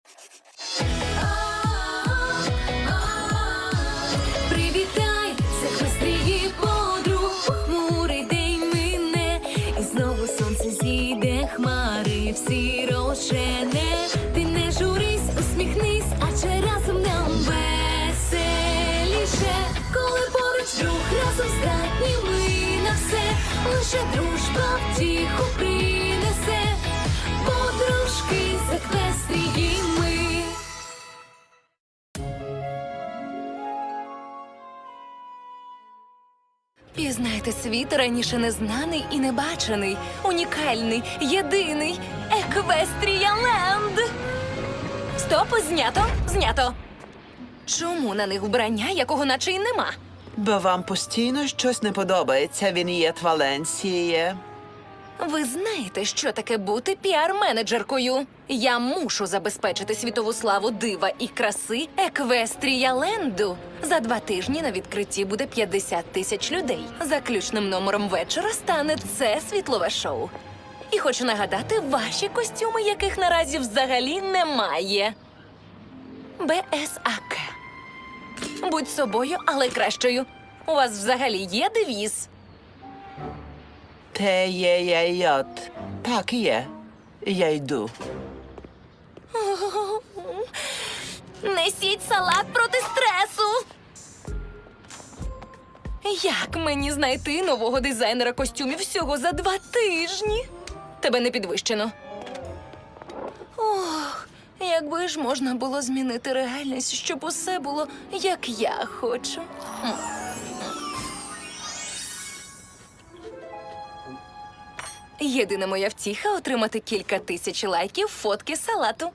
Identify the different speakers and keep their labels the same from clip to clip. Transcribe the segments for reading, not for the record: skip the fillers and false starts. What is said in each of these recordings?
Speaker 1: Привітай, Секвестрії подруг, похмурий день мине, і знову сонце зійде, хмари всі розжене. Ти не журись, усміхнись, адже разом нам веселіше. Коли поруч друг, разом здатні ми на все, лише дружба втіху принесе. Подружки Секвестрії ми. Пізнайте світ раніше незнаний і небачений, унікальний, єдиний Еквестрія-ленд! Стоп, знято, знято! Чому на них вбрання, якого наче й нема?
Speaker 2: Бо вам постійно щось не подобається, Він'єт Валенсіє.
Speaker 1: Ви знаєте, що таке бути піар-менеджеркою? Я мушу забезпечити світову славу дива і краси Еквестрія-ленду. За 2 тижні на відкритті буде 50 тисяч людей. Заключним номером вечора стане це світлове шоу. І хочу нагадати, ваші костюми, яких наразі взагалі немає. БСАК. Будь собою, але кращою. У вас взагалі є девіз?
Speaker 2: Те-є-є-йот. Так є. Я йду.
Speaker 1: Несіть салат проти стресу! Як мені знайти нового дизайнера костюмів всього за 2 тижні? Тебе не підвищено. Ох, якби ж можна було змінити реальність, щоб усе було, як я хочу. Єдина моя втіха – отримати кілька тисяч лайків фотки салату.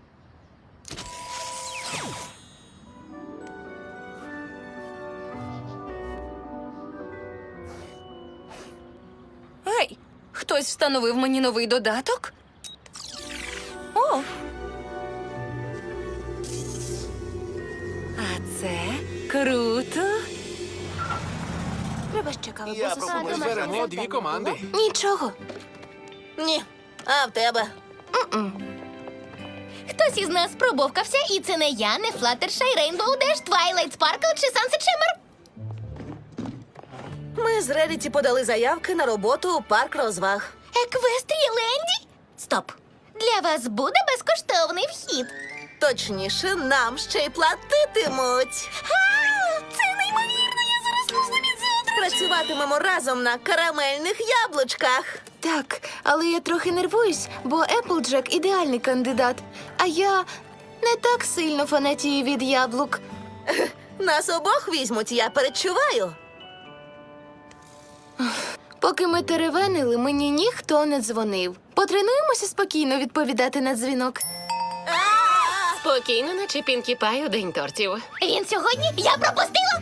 Speaker 1: Гей, хтось встановив мені новий додаток? О! А це круто!
Speaker 3: Треба ще кави.
Speaker 4: Я пропоную зберемо 2 команди.
Speaker 1: Нічого.
Speaker 3: Ні. А в тебе?
Speaker 5: Хтось із нас пробовкався, і це не я, не Флаттершай, Рейнбоу Деш, Твайлайт Спаркл чи Сансет Шиммер.
Speaker 3: Ми з Реріті подали заявки на роботу у парк розваг.
Speaker 5: Еквестрія-ленді? Стоп. Для вас буде безкоштовний вхід.
Speaker 3: Точніше, нам ще й платитимуть.
Speaker 5: Це неймовірно, я зараз лусну від завтра.
Speaker 3: Працюватимемо разом на карамельних яблучках.
Speaker 6: Так, але я трохи нервуюсь, бо Еплджек – ідеальний кандидат, а я не так сильно фанатію від яблук.
Speaker 3: Нас обох візьмуть, я передчуваю.
Speaker 6: Поки ми теревенили, мені ніхто не дзвонив. Потренуємося спокійно відповідати на дзвінок.
Speaker 7: Спокійно, наче Пінкі Пай у день тортів.
Speaker 5: Він сьогодні? Я пропустила!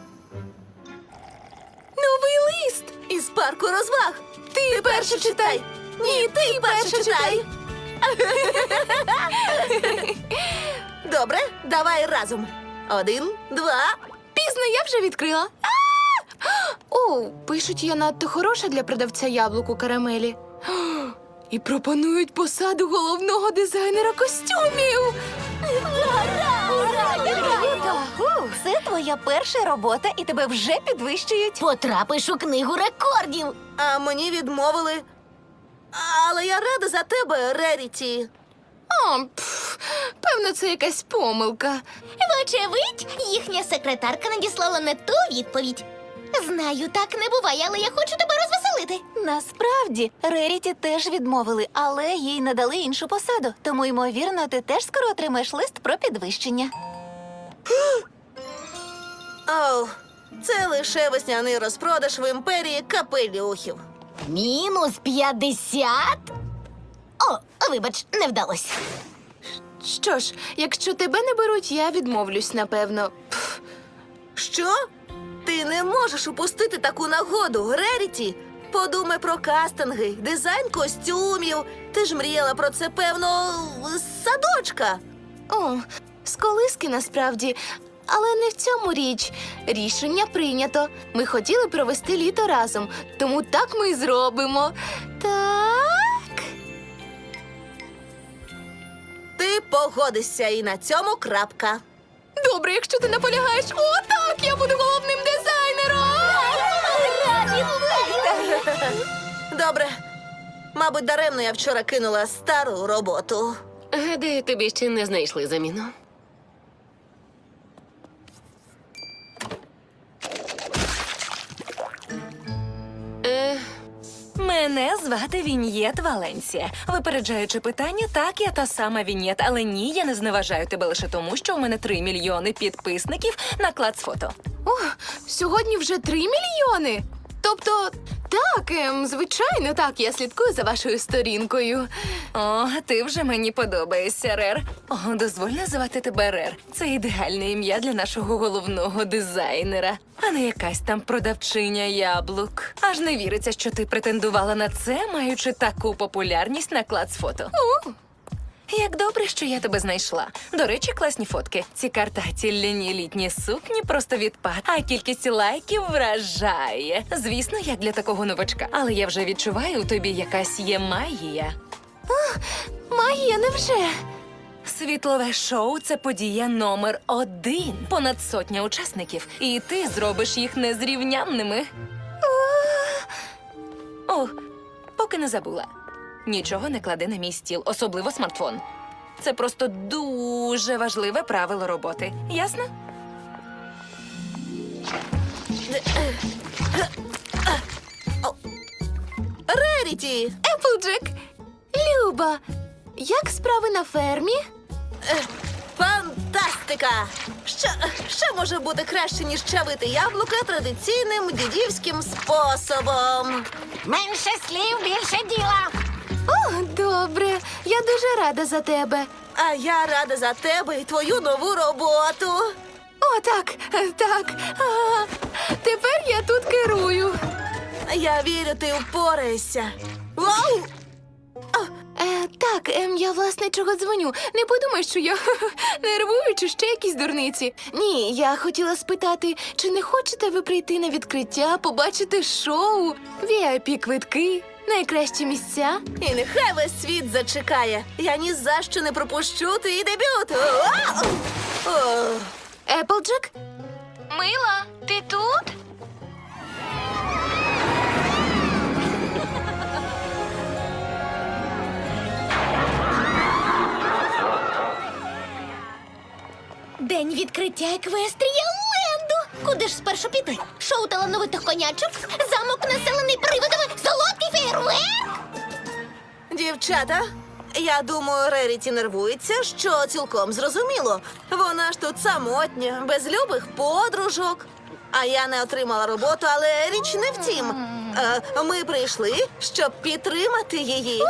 Speaker 6: Новий лист!
Speaker 3: Із парку розваг.
Speaker 6: Ти перше читай!
Speaker 3: Ні, ти перше читай. Добре, давай разом. 1, 2.
Speaker 6: Пізно, я вже відкрила. О, пишуть, я надто хороша для продавця яблук у карамелі. І пропонують посаду головного дизайнера костюмів.
Speaker 5: Це твоя перша робота, і тебе вже підвищують. Потрапиш у книгу рекордів.
Speaker 3: А мені відмовили. Але я рада за тебе, Реріті.
Speaker 6: Певно, це якась помилка.
Speaker 5: Вочевидь, їхня секретарка надіслала не ту відповідь. Знаю, так не буває, але я хочу тебе розвеселити.
Speaker 8: Насправді, Реріті теж відмовили, але їй надали іншу посаду. Тому, ймовірно, ти теж скоро отримаєш лист про підвищення.
Speaker 3: Оу, це лише весняний розпродаж в імперії капелюхів.
Speaker 5: Мінус 50? О, вибач, не вдалося.
Speaker 6: Що ж, якщо тебе не беруть, я відмовлюсь, напевно.
Speaker 3: Що? Ти не можеш упустити таку нагоду, Реріті. Подумай про кастинги, дизайн костюмів. Ти ж мріяла про це, певно, з садочка.
Speaker 6: О, з колиски насправді. Але не в цьому річ. Рішення прийнято. Ми хотіли провести літо разом, тому так ми й зробимо. Так.
Speaker 3: Ти погодишся, і на цьому крапка.
Speaker 6: Добре, якщо ти наполягаєш. О, так, я буду головним дизайнером!
Speaker 3: Добре. Мабуть, даремно я вчора кинула стару роботу.
Speaker 7: Гадаю, тобі ще не знайшли заміну.
Speaker 1: Мене звати Він'єт Валенсія. Випереджаючи питання, так, я та сама Він'єт, але ні, я не зневажаю тебе лише тому, що у мене 3 мільйони підписників на Клацфото.
Speaker 6: О, сьогодні вже 3 мільйони. Тобто, так, звичайно, так, я слідкую за вашою сторінкою.
Speaker 1: О, ти вже мені подобаєшся, Рер. О, дозволь називати тебе Рер. Це ідеальне ім'я для нашого головного дизайнера, а не якась там продавчиня яблук. Аж не віриться, що ти претендувала на це, маючи таку популярність на Клацфото. Як добре, що я тебе знайшла. До речі, класні фотки. Ці картаті ляні літні сукні просто відпад, а кількість лайків вражає. Звісно, як для такого новачка. Але я вже відчуваю, у тобі якась є магія.
Speaker 6: Магія, невже?
Speaker 1: Світлове шоу – це подія номер 1. Понад 100 учасників. І ти зробиш їх незрівнянними. О, поки не забула. Нічого не клади на мій стіл, особливо смартфон. Це просто дуже важливе правило роботи. Ясно?
Speaker 3: Реріті!
Speaker 6: Еплджек! Люба, як справи на фермі?
Speaker 3: Фантастика! Що може бути краще, ніж чавити яблука традиційним дідівським способом?
Speaker 5: Менше слів, більше діла.
Speaker 6: О, добре. Я дуже рада за тебе.
Speaker 3: А я рада за тебе і твою нову роботу.
Speaker 6: О, так, так. А, тепер я тут керую.
Speaker 3: Я вірю, ти впораєшся. Вау!
Speaker 6: Так, я власне чого дзвоню. Не подумай, що я нервую чи ще якісь дурниці. Ні, я хотіла спитати, чи не хочете ви прийти на відкриття, побачити шоу, VIP-квитки, найкращі місця?
Speaker 3: І нехай весь світ зачекає. Я ні за що не пропущу твій дебют. Вау! О!
Speaker 6: Еплджек? Мила, ти тут?
Speaker 5: День відкриття Еквестрія Ленду. Куди ж спершу піти? Шоу талановитих конячок? Замок населений привидами? Солодкий фейерверк?
Speaker 3: Дівчата, я думаю, Реріті нервується, що цілком зрозуміло. Вона ж тут самотня, без любих подружок. А я не отримала роботу, але річ не в тім. Ми прийшли, щоб підтримати її.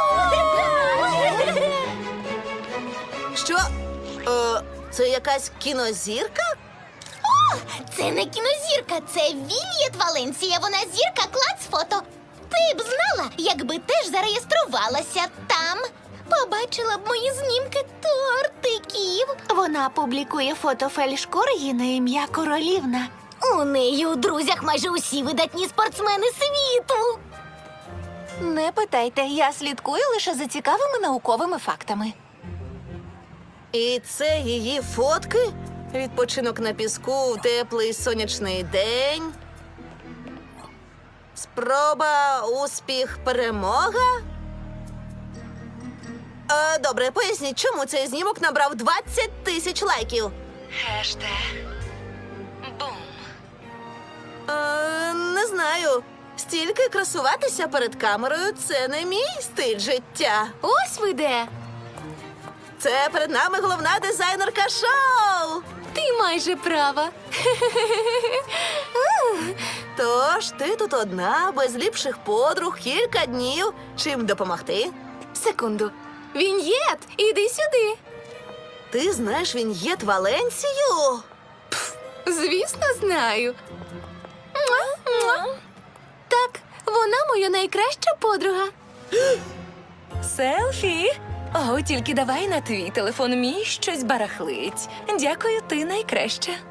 Speaker 3: Що? Це якась кінозірка?
Speaker 5: Це не кінозірка, це Він'єт Валенсія. Вона зірка Клацфото. Ти б знала, якби теж зареєструвалася там. Побачила б мої знімки тортиків.
Speaker 8: Вона публікує фото фельдшкоргі на ім'я Королівна.
Speaker 5: У неї у друзях майже усі видатні спортсмени світу.
Speaker 8: Не питайте, я слідкую лише за цікавими науковими фактами.
Speaker 3: І це її фотки? Відпочинок на піску в теплий сонячний день. Спроба, успіх, перемога. Добре, поясніть, чому цей знімок набрав 20 тисяч лайків?
Speaker 1: Хештег. Бум.
Speaker 3: Не знаю. Стільки красуватися перед камерою – це не мій стиль життя.
Speaker 6: Ось ви де.
Speaker 3: Це перед нами головна дизайнерка шоу.
Speaker 6: Ти майже права.
Speaker 3: Тож ти тут одна, без ліпших подруг, кілька днів. Чим допомогти?
Speaker 6: Секунду. Він'єт, іди сюди.
Speaker 3: Ти знаєш Він'єт Валенсію?
Speaker 6: Звісно, знаю. Так, вона моя найкраща подруга.
Speaker 1: Селфі? О, тільки давай на твій телефон, мій щось барахлить. Дякую, ти найкраща.